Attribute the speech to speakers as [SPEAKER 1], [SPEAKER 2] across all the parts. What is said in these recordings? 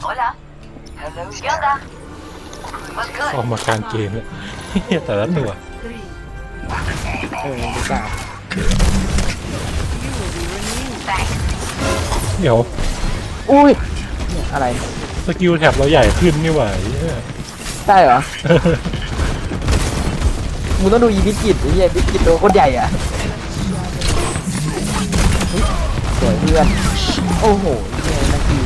[SPEAKER 1] ออกมาการเกมเลยแต่ละตัว
[SPEAKER 2] ดูกา
[SPEAKER 1] เดี๋ยว
[SPEAKER 2] อุ้ยอะไร
[SPEAKER 1] สกิลแท็บเราใหญ่ขึ้นนี่หว่า
[SPEAKER 2] ใช่เหรอมึงต้องดูอีบิสกิตไอ้เหี้ยบิสกิตตัวโคตรใหญ่อ่ะสวยเพื่อนโอ้โหเนี่ยนาที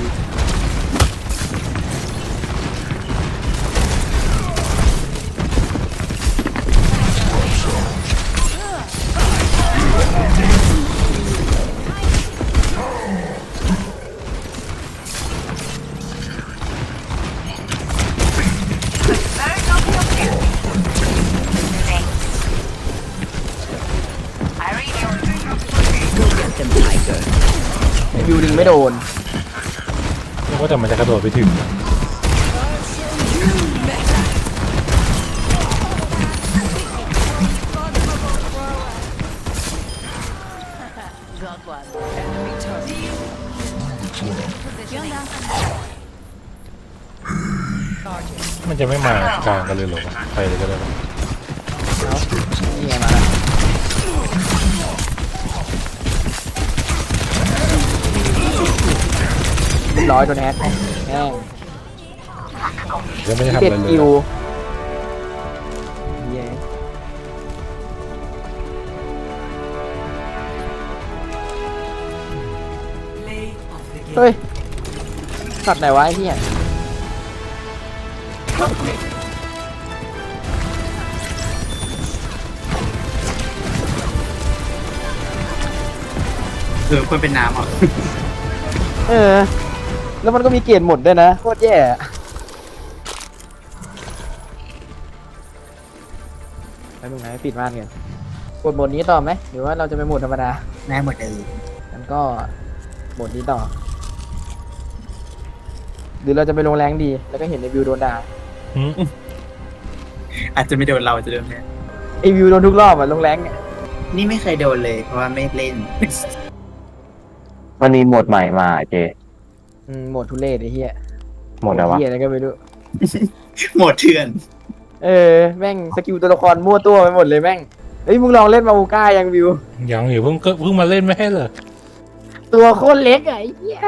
[SPEAKER 2] วิวดึงไม่โดน
[SPEAKER 1] ว่าแต่มันจะกระโดดไปถึงมันจะไม่มากลางกันเลยหรอไปเลยก็ได้
[SPEAKER 2] นี่ไงมาแล้วเรียบร้อยโดนแฮกแห้ง
[SPEAKER 1] ยังไม่ได้ทำอะไรเลย
[SPEAKER 2] เฮ้ยสัตว์ไหนวะไอ้เหี้ย
[SPEAKER 3] ควรเป็นน้ำอ่ะ
[SPEAKER 2] แล้วมันก็มีเกณฑ์หมดด้วยนะโคตรแย่ไปมึงไหนปิดม่านกันกดโหมดนี้ต่อไหมหรือว่าเราจะไปโหมดธรรมดา
[SPEAKER 3] แม่หมดเลย
[SPEAKER 2] งั้นก็โหมดนี้ต่อหรือเราจะไปลงแรงดีแล้วก็เห็นในวิวโดนด่า
[SPEAKER 3] อาจจะไม่โดนเราจะโดนแค่
[SPEAKER 2] ไอวิวโดนทุกรอบอ่ะลงแรงเนี่ย
[SPEAKER 3] นี่ไม่เคยโดนเลยเพราะว่าไม่เล่น
[SPEAKER 4] มันมีโหมดใหม่มาเจ
[SPEAKER 2] โหมดทุเรศไอ้เหี้ย
[SPEAKER 4] โหมดอะไรวะ
[SPEAKER 2] เหี้ยอะไรก็ไม่รู้
[SPEAKER 3] โหมดเถื่อน
[SPEAKER 2] แม่งสกิลตัวละครมั่วตัวไปหมดเลยแม่งเฮ้ยมึงลองเล่นมาอูก้ายังวิว
[SPEAKER 1] ยังอยู่เพิ่งมาเล่นไม่ให้เหรอ
[SPEAKER 2] ตัวโคตรเล็กไอ้เหี้ย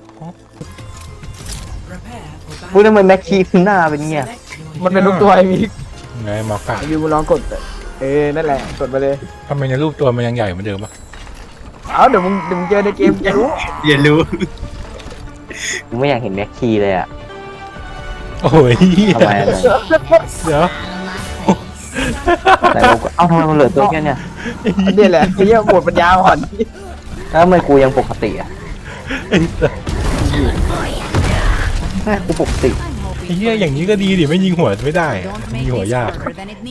[SPEAKER 4] พูดทำไมแม็กคีขึ้นหน้าเป็นเงี้ย
[SPEAKER 2] มันเป็นรูปตัวไอ้มิก
[SPEAKER 1] ไงมากะ
[SPEAKER 2] วิวมึงลองกดนั่นแหละกดมาเลย
[SPEAKER 1] ทำไมในรูปตัวมันยังใหญ่เหมือนเดิมปะ
[SPEAKER 2] เดี๋ยวมึงเจอในเกมจะรู้
[SPEAKER 3] อย่ารู้
[SPEAKER 4] กูไม่อยากเห็นแม็กคีเลยอ่ะ
[SPEAKER 1] โอ้ย
[SPEAKER 4] ทำไม
[SPEAKER 1] เดี๋ยว
[SPEAKER 4] แต่กูทำไมมันเหลือตัวแค่เนี้ย
[SPEAKER 2] นี่แหละไอ้เหี้ยหมดปัญญาอ่อน
[SPEAKER 4] แล้วทำไมกูยังปกติอ่ะกูปกติ
[SPEAKER 1] ไอ้เหี้ยอย่างนี้ก็ดีดิไม่ยิงหัวไม่ได้ยิงหัวยาก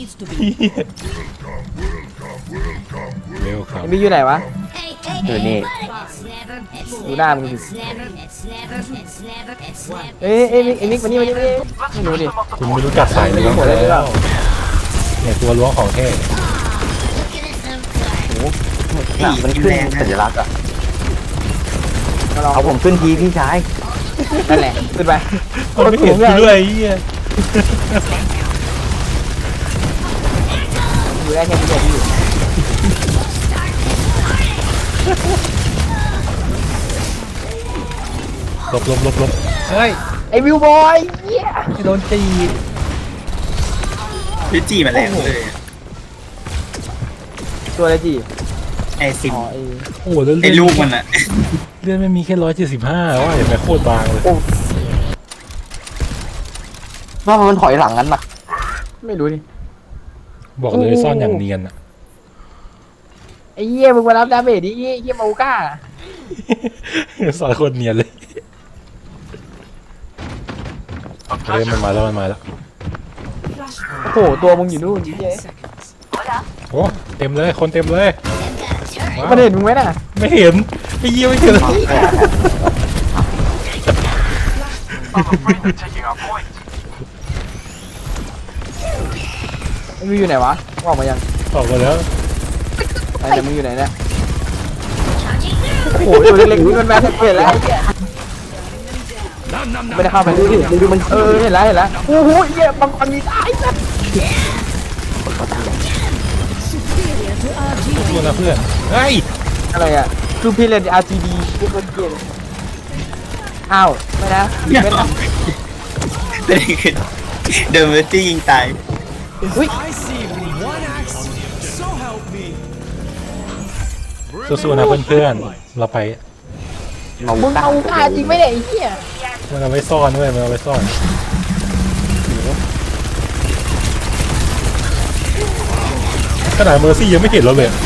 [SPEAKER 1] เร็วครับ
[SPEAKER 2] มีอยู่ไหนวะ
[SPEAKER 4] อยู่นี่
[SPEAKER 2] ดูหน้ามึงดิมิกมานี่ไม่รู้ดิ
[SPEAKER 1] คุณไม่รู้จักสายเลยแล้วเนี่ยตัวล้วงของแท้
[SPEAKER 4] โอ้โหมันขึ้นสัญลักษณ์อ่ะเอาผมขึ้นทีพี่ชาย
[SPEAKER 2] นั่นแหละขึ้นไป
[SPEAKER 1] ไม่เห็นด้วยไอ้เหี้ย
[SPEAKER 2] อยู่ได้แค่นี้อยู่
[SPEAKER 1] หลบเฮ้ย
[SPEAKER 2] ไอวิวบอยเหี้ย
[SPEAKER 1] โดนตี
[SPEAKER 3] พี่จีมาแล้วเลย
[SPEAKER 2] ตัวอะไรจี
[SPEAKER 3] ไอซิม
[SPEAKER 1] โอ้แล้ว
[SPEAKER 3] ไอลูกมันอะ
[SPEAKER 1] เลื่อนไม่มีแค่175ว่าเห็นไหมโคตรบางเลย
[SPEAKER 4] ว่ามันถอยหลังงั้นปะ
[SPEAKER 2] ไม่รู้ดิ
[SPEAKER 1] บอกเลยซ่อนอย่างเนียนอะ
[SPEAKER 2] ไอ้เหี้ยมึงมารับดาเมจดิเหี้ยมาอูก้า
[SPEAKER 1] ซ่อนคนเนียนเลยมันมาแล้ว
[SPEAKER 2] โอ้โหตัวมึงอยู่นู่นเหี้ย
[SPEAKER 1] โอ้เต็มเลยคนเต็มเลย
[SPEAKER 2] มันเห็นมึงไหมน่ะ
[SPEAKER 1] ไม่เห็นไอ้เหี้ยไม่เห็น
[SPEAKER 2] มึงอยู่ไหนวะออกมายัง
[SPEAKER 1] ออกมาแล้ว
[SPEAKER 2] แต่มึงอยู่ไหนเนี่ยโอ้โหตัวเล็กๆนี่มันแม่เห็นแล้วไม่ได้เข้าไปดูดิดูมันเห็นแล้วโอ้โหเหี้ยบางคนมีตายสัตว์
[SPEAKER 1] ตัวนะเพื่อนเฮ้ย
[SPEAKER 2] อะไรอ่ะคือพี่เล่น RGB พวกคนเกลียดอ้าวไม่นะไม่นะ
[SPEAKER 3] เป็นคือเดินมาที่ยิงตาย
[SPEAKER 2] อุ้ย
[SPEAKER 1] สู้ๆนะเพื่อนๆเราไป
[SPEAKER 2] มึงเอาฆ่าจริงไหมเนี่ยไอ้เหี้ย
[SPEAKER 1] มันเอาไว้ซ่อนด้วยมันเอาไว้ซ่อนขนาดเมอร์ซี่ยังไม่เห็นเราเลย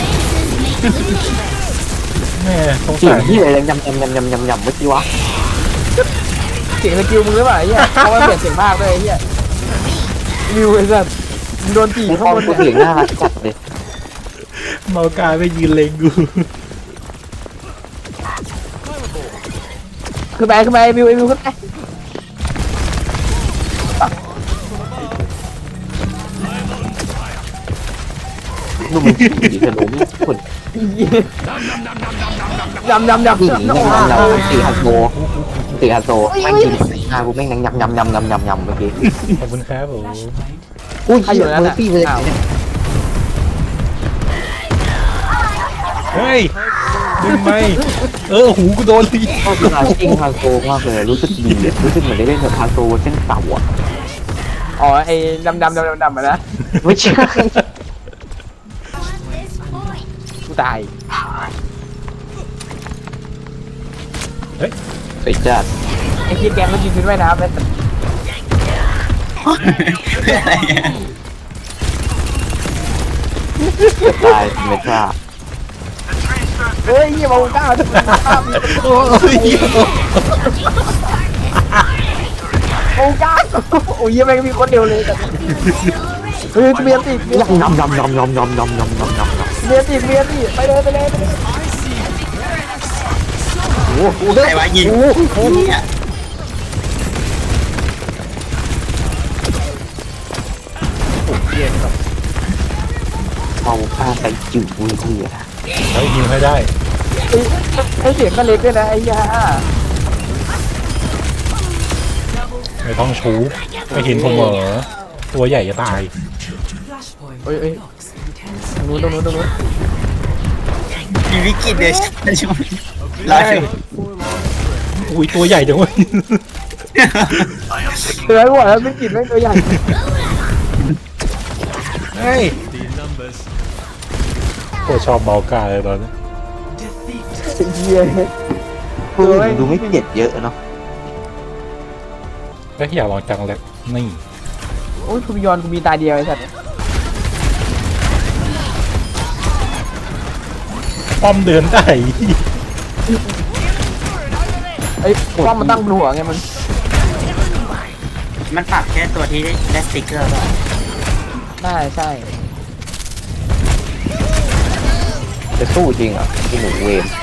[SPEAKER 1] แม่สง
[SPEAKER 4] เสีย
[SPEAKER 1] สาง ร
[SPEAKER 4] ที่อะไรยำเมื่อกี้วะ
[SPEAKER 2] เสียงสกิลมึงหรือเปล่าไอ้เหี้ยเพราะว่าเปลี่ยนเสียงภาคด้วยไอ้เหี้ยวิวไอ้สัตว์มึงโดนจีบ
[SPEAKER 4] ไอ้
[SPEAKER 2] ข้า
[SPEAKER 4] ป้อง ม
[SPEAKER 2] บน
[SPEAKER 4] กู
[SPEAKER 2] เนี่ย
[SPEAKER 4] เสียงน่ารักจัดเลย
[SPEAKER 1] เมากายไปยืนเลงกู
[SPEAKER 2] ขึ้นไปวิวขึ้นไป
[SPEAKER 4] ดูมันขี่กระโดดไม่ขุด
[SPEAKER 2] ยำ
[SPEAKER 4] ขี่เราตีฮันโซแม่งกินกูแม่งยำเมื่อกี้
[SPEAKER 1] ขอบคุณครับผม
[SPEAKER 4] อุ้ยเหี้ยเมอร์ซี่เลย
[SPEAKER 1] เฮ้ยดึงไหมหูกูโดนเลย
[SPEAKER 4] ชอบเวลาชิงฮันโซมากเลยรู้สึกดีรู้สึกเหมือนได้เล่นแบบฮันโซเส้นเต่าอ่ะ
[SPEAKER 2] อ๋อไอ้ดำอะนะ
[SPEAKER 4] ไม่ใช่
[SPEAKER 2] กูตาย
[SPEAKER 4] สวยจัด
[SPEAKER 2] ไอ้ที่แกงก็ยืนขึ้นว่ายน้ำแล้ว
[SPEAKER 3] อะไรอ่ะ
[SPEAKER 4] ตายเมทรา
[SPEAKER 2] เฮ้ยเหี้ยมาก้าวจะมาก้าว
[SPEAKER 1] โอ้ย
[SPEAKER 2] โอ้ก้าวโอ้ยยังไม่มีคนเดียวเลยแต่เฮ้ยเมียติเมียติไปเลย
[SPEAKER 3] โอ้โหใครวะยิงเนี่ย
[SPEAKER 4] เอาผ้าใส่จิ๋วอุ้ยเหี้ย
[SPEAKER 1] เฮ้ยยิงให้ได้
[SPEAKER 2] ไอ้เสียงก็เล็กด้วยนะไอ้ยา
[SPEAKER 1] ไม่ต้องชูไม่เห็นผมเหรอตัวใหญ่จะตาย
[SPEAKER 2] เอ้ยตรงนู้น
[SPEAKER 3] มีวิกฤตเลยใช่ไหมรอชม
[SPEAKER 1] อุ้ยตัวใหญ่จังเว้ย
[SPEAKER 2] เตือนหัวแล้วไม่กินไม่ตัวใหญ่
[SPEAKER 1] เฮ้ยโคตรชอบเมากายเลยตอนนี้
[SPEAKER 2] เหี้ย
[SPEAKER 4] ปืนดูไม่เจ็ดเยอะเนาะ
[SPEAKER 1] ก็อยากลองจังเลยนี่
[SPEAKER 2] โอ้ยคุณยอนกูมีตาเดียวไอ้สัตว์
[SPEAKER 1] ป้อมเดินได้
[SPEAKER 2] ไอ้ป้อมมันตั้งบนหัวไงมัน
[SPEAKER 3] มันปรับแค่ตัวที่ได้สติ๊กเกอร์ป่ะ
[SPEAKER 2] ใช่
[SPEAKER 4] จะสู้จริงเหรอที่หนูเวม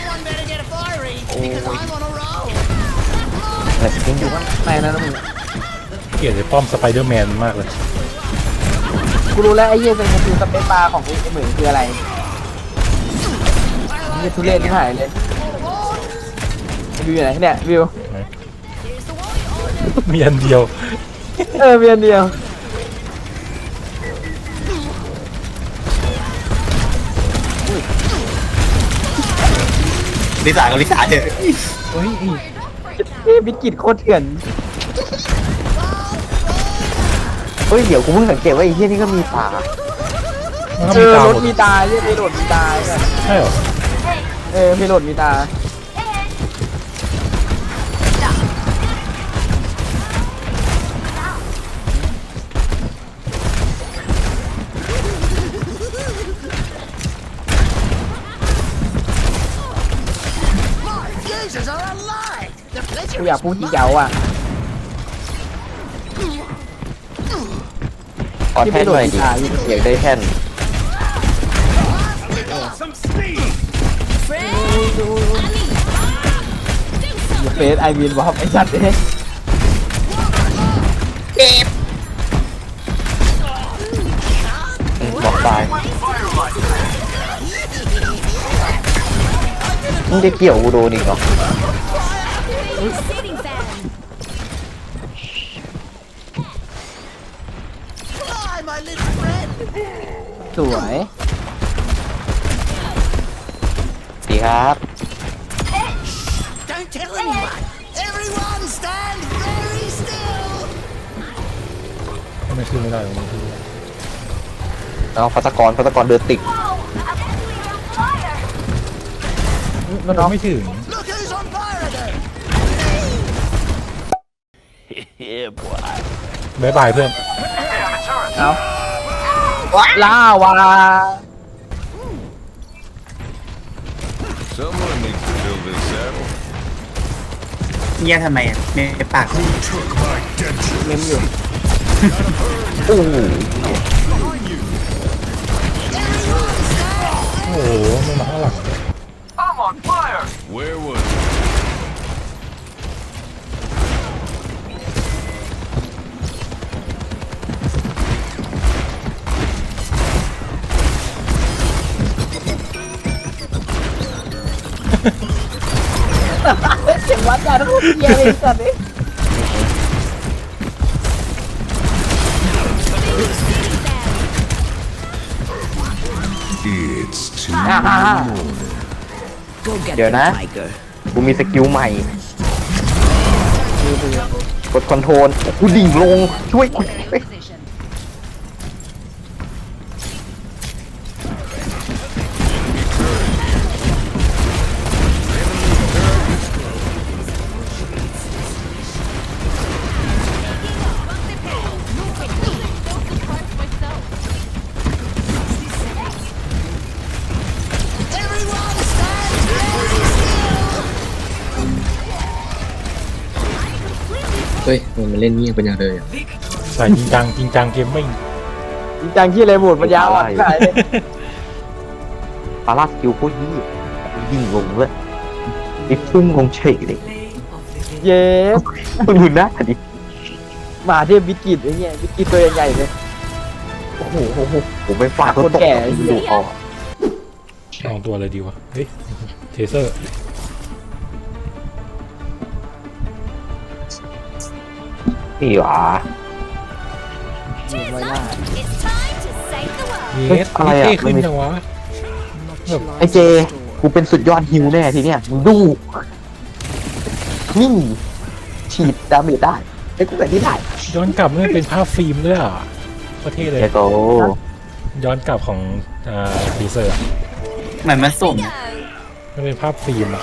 [SPEAKER 4] อะไรกินอยู่
[SPEAKER 2] ไม่นะมึง
[SPEAKER 1] เกลียดไอ้ป้อมสไปเดอร์แมนมากเลย
[SPEAKER 2] กูรู้แล้วไอ้เหี้ยเป็นคือสเปซบาร์ของไอ้เหมือนคืออะไรนี่ทุเรศที่หายเลยวิวอยู่ไหนเนี่ยวิว
[SPEAKER 1] มีอันเดียว
[SPEAKER 2] เวียนเดียว
[SPEAKER 3] ลิซ่ากับลิซ่าเถอะ
[SPEAKER 2] เฮ้ยวิกฤตโคตรเถื่อน
[SPEAKER 4] เฮ้ยเดี๋ยวกูเพิ่งสังเกตว่าไอ้เหี้ยนี่ก็มีตา
[SPEAKER 1] มันก็มีตาร ห
[SPEAKER 2] ถ
[SPEAKER 1] มด
[SPEAKER 2] มีตาเพโดดมีตา
[SPEAKER 1] ใช่เหรอ
[SPEAKER 2] เพโดดมีตากูอยากพูดจีเจ้าอ่ะ
[SPEAKER 4] ขอแท่นหน่อยดิอยากได้แท่น
[SPEAKER 2] เฟสไอวินบอกไอ้สัตว์เนี่ย
[SPEAKER 4] บอกตายมึงจะเกี่ยวกูโดนอีกเหรอ
[SPEAKER 2] สวย
[SPEAKER 4] ดีครับ
[SPEAKER 5] Don't tell anyone. Everyone stand very still.
[SPEAKER 1] ทำไมขึ้นไม่ได้วะมันขึ้นไม่ได้
[SPEAKER 4] เอาพัตกรเดินติด
[SPEAKER 2] มันน้อง
[SPEAKER 1] ไม่ถึง
[SPEAKER 5] Look who's on fire again.
[SPEAKER 1] บายบายเพื่อน
[SPEAKER 2] เอาล่าวา
[SPEAKER 6] Someone needs to fill this saddle.
[SPEAKER 3] เงียบทำไมอ่ะในปาก
[SPEAKER 2] เมมอยู่
[SPEAKER 4] โอ้โห
[SPEAKER 1] โอ้โหมันมาข้างหลัง
[SPEAKER 6] Where was it?
[SPEAKER 2] เสียงวัดกันทุกเยียเลยสัตว์นี่
[SPEAKER 6] It's too
[SPEAKER 4] เดี๋ยวนะ กูมีสกิลใหม่ กดคอนโทรลกูดิ่งลง ช่วยกูเฮ้ย
[SPEAKER 7] เฮ้ยมันเล่นเงียบเป็นอย่างเลยอ่ะ
[SPEAKER 1] ใส่จริงจังเกมไม่
[SPEAKER 2] จริงจังที่อะไรหมดปัญญาอ่อนขายเลย
[SPEAKER 4] ปาราสกิลโคตรยี่ดิ่งลงเลยไอ้พุ่งลงเฉยเลย
[SPEAKER 2] เย้
[SPEAKER 4] มึงดูหน้าดิ
[SPEAKER 2] หมาเทพวิกิตไอ้เนี่ยวิกิตตัวใหญ่ๆเลย
[SPEAKER 4] โอ้โหผมไปฝาก
[SPEAKER 2] คนแก่ไอ้เหี้ย
[SPEAKER 4] ดูออก
[SPEAKER 1] ลองตัวอะไรดีวะ เฮ้ย เทเซอร์
[SPEAKER 4] นี่หว่า
[SPEAKER 2] ไว้หน้า
[SPEAKER 5] It's time to save the world.
[SPEAKER 1] เยส
[SPEAKER 4] อะไร
[SPEAKER 1] เท่
[SPEAKER 4] อะ
[SPEAKER 1] ขึ้นจังวะแบบ
[SPEAKER 4] ไอเจ กูเป็นสุดยอดฮิวแน่ทีเนี้ยมึงดู นี่ฉีดดาเมจได้ไอ้กูแบบนี้ได้
[SPEAKER 1] ย้อนกลับนี่เป็นภาพฟิล์มด้วยอ่ะประเทศเลย
[SPEAKER 4] เจโต
[SPEAKER 1] ย้อนกลับของเทเซอร์อะ
[SPEAKER 3] เหมือนมันสุ่ม
[SPEAKER 1] มันเป็นภาพฟิล์มอ่ะ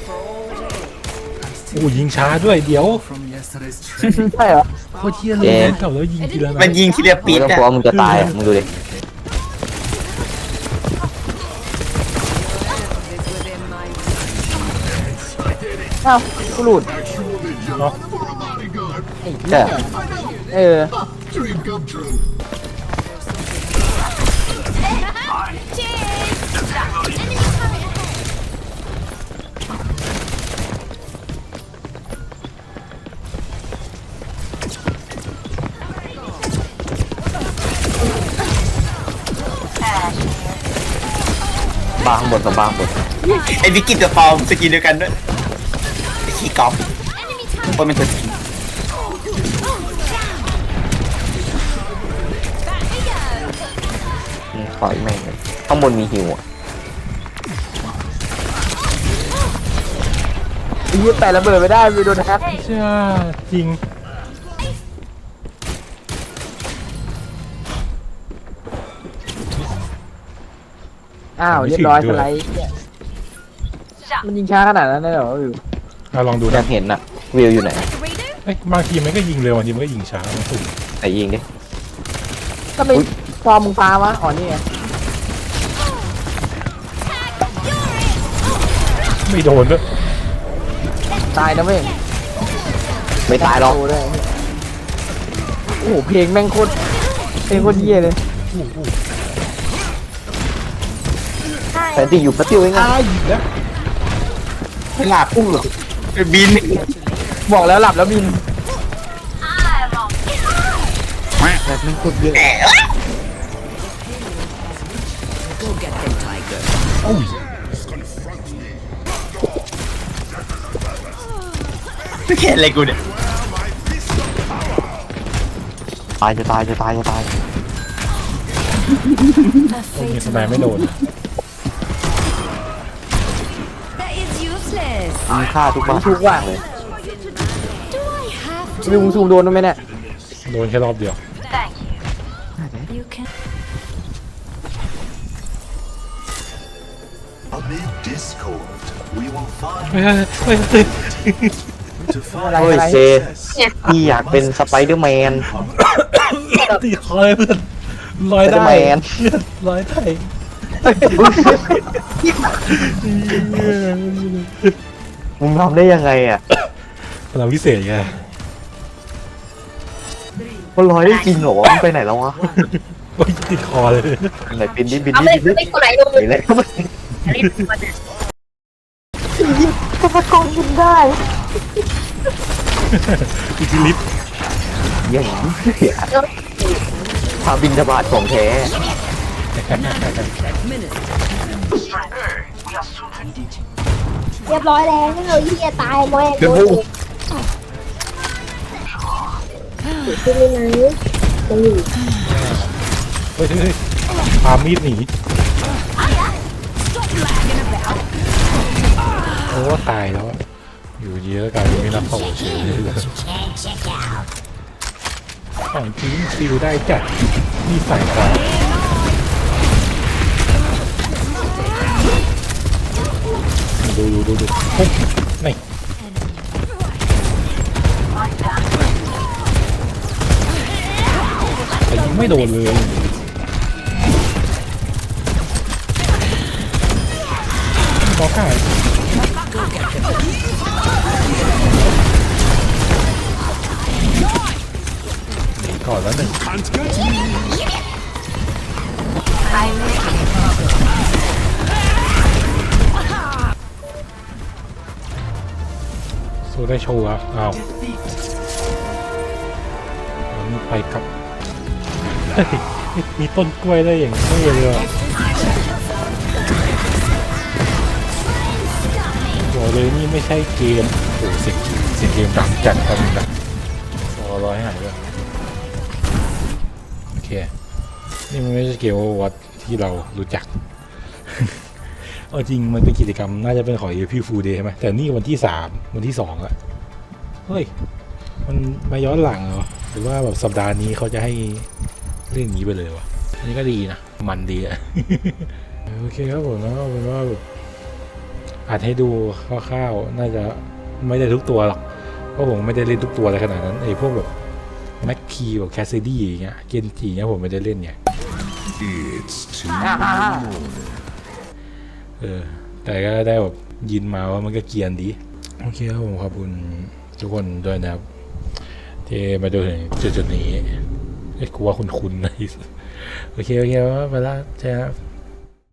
[SPEAKER 1] โอ้ยิงช้าด้วยเดี๋ยว
[SPEAKER 2] ใช่เหรอ
[SPEAKER 1] โคตรเที่ยเลยย้อนกลับแล้วยิงทีละนั
[SPEAKER 3] มัน
[SPEAKER 1] ด
[SPEAKER 3] ยิงทีเดียว
[SPEAKER 4] มึ
[SPEAKER 3] ปี
[SPEAKER 4] ง
[SPEAKER 3] ด
[SPEAKER 4] ต้อง
[SPEAKER 3] อ่ะ
[SPEAKER 4] กลัวมึงจะตายอ่ะมึงดูดิ
[SPEAKER 2] เอ้ากูหลุด
[SPEAKER 1] เนาะ
[SPEAKER 2] ไอ้
[SPEAKER 4] ใช่
[SPEAKER 2] เหี้ยเออ
[SPEAKER 4] บางบนกับบางบน
[SPEAKER 3] ไอ้วิกิตกับปอมสกินเดียวกันด้วยไอ้ขี้กอล์ฟคนเป็นตัวจริง
[SPEAKER 4] นี่ขออีกแม่งเลยข้างบนมีฮิวอ่ะ
[SPEAKER 2] ไอ้เหี้ยแต่ระเบิดไม่ได้ไปโดนแฮก
[SPEAKER 1] ใช่จริง
[SPEAKER 2] อ้าวเรียบร้อยสไลด์เนี่ยมันยิงช้าขนาดนั้นเลยเหรอวิว
[SPEAKER 1] ลองดู
[SPEAKER 4] อ
[SPEAKER 1] นะ
[SPEAKER 4] ยากเห็นอ่ะ วิวอยู่ไหน
[SPEAKER 1] เอ้ยบางทีมันก็ยิงเร็วบางทีมันก็ยิงช้ามันสุ่ม
[SPEAKER 4] ไหนยิงดิ
[SPEAKER 2] ก็ไปฟอร์มมึงฟ้าวะอ๋อนี่ไง
[SPEAKER 1] ไม่โดนด้วย
[SPEAKER 2] ตายนะเว้ย
[SPEAKER 4] ไม่ตายหรอก
[SPEAKER 2] โอ้ด้วยโอ้โหเพลงแม่งโคตรเพลงโคตรเยี่ยเลย
[SPEAKER 4] แต่ที่อยู่ประติวเองไง
[SPEAKER 3] ไม่หลับพุ่งหรอกบิน
[SPEAKER 2] บอกแล้วหลับแล้วบิน
[SPEAKER 4] แบบไม่พูดเยอะ
[SPEAKER 3] แหมไม่เห็นอะไรกูเนี่ย
[SPEAKER 4] ตายจะตาย
[SPEAKER 1] โอ้มีสไนไม่โดน
[SPEAKER 5] That is useless.
[SPEAKER 4] มีค่าทุกบ้าน
[SPEAKER 2] ทุกว่ะ
[SPEAKER 4] เลย
[SPEAKER 5] Do I have
[SPEAKER 2] วิวมึงซูมโดนไหมเนี่ย
[SPEAKER 1] โดนแค่รอบเดียว
[SPEAKER 5] You can.
[SPEAKER 8] Amid discord, we will find
[SPEAKER 1] เฮ้ยเฮ้ยเฮ้ย
[SPEAKER 8] to
[SPEAKER 2] อะไร
[SPEAKER 8] find
[SPEAKER 4] เฮ้ย
[SPEAKER 2] อะไร
[SPEAKER 4] เจพี่อยากเป็นสไปเดอร์แมน
[SPEAKER 1] ติดคอเลยเพื่อนลอยได้
[SPEAKER 4] Spider-Man
[SPEAKER 1] เพื่อนลอยได้
[SPEAKER 4] มึงทำได้ยังไงอ่ะ
[SPEAKER 1] พลังพิเศษไง
[SPEAKER 4] มันลอยได้จริงเหรอวะมันไปไหนแล้ววะ
[SPEAKER 1] โอ้ยติดคอเลย
[SPEAKER 4] ไหนบินดิบิน
[SPEAKER 9] เอา
[SPEAKER 4] ดิ
[SPEAKER 9] ไม่
[SPEAKER 4] บินดิ
[SPEAKER 9] ไม่กดไหนลง
[SPEAKER 4] ไหนเลย
[SPEAKER 9] เล่นตัวเนี่ย
[SPEAKER 1] อิทธิฤทธิ์
[SPEAKER 4] อย่างนี้เสียพาบินทบาทของแท้
[SPEAKER 9] เรียบร้อยแล้วที่เราที่จะตายแม่ง
[SPEAKER 1] เดี๋ยว
[SPEAKER 9] โด
[SPEAKER 1] พู
[SPEAKER 9] นขึ้นเลยนะจะอยู่
[SPEAKER 1] เฮ้ยเฮ้ยพามีดหนีโอ้ตายแล้วอะอยู่เยอะกลายเป็นไม่รับโผล่เฉยเลยของจริงฟิลได้จัดนี่ใส่ครับดูปุ๊บนี่แต่ยิงไม่โดนเลยบอลข่ายก่อนแล้วหนึ่งสู้ได้โชว์อ่ะอ้าวมีไปกับเฮ้ยมีต้นกล้วยได้อย่างไม่เลยอ่ะบอกเลยนี่ไม่ใช่เกมโอ้เสียงเกมดังจัดกันนะร้อยหายเลยโอเคนี่มันไม่ใช่เกมวัดที่เรารู้จัก เอาจริงมันเป็นกิจกรรมน่าจะเป็นของ April Fool Day ใช่ไหมแต่นี่วันที่3วันที่2แล้วเฮ้ยมันมาย้อนหลังเหรอหรือว่าแบบสัปดาห์นี้เขาจะให้เล่นอย่างนี้ไปเลยวะอันนี้ก็ดีนะมันดีอะ โอเคครับผมแล้วเป็นว่าแบบอาจให้ดูคร่าวๆน่าจะไม่ได้ทุกตัวหรอกเพราะผมไม่ได้เล่นทุกตัวอะไรขนาดนั้นไอ้พวกแบบแม็กคีแบบแคสซิดี้อย่างเงี้ยเกนจิเงี้ยผมไม่ได้เล่นเนี่ย
[SPEAKER 8] it's too
[SPEAKER 1] แต่ก็ได้แบบยินมาว่ามันก็เกรียนดีโอเคครับผมขอบคุณทุกคนด้วยนะครับที่มาดูถึงจุดนี้ไอ้กูว่าคุ้นๆนะโอเคว่าไปละใช่ครับ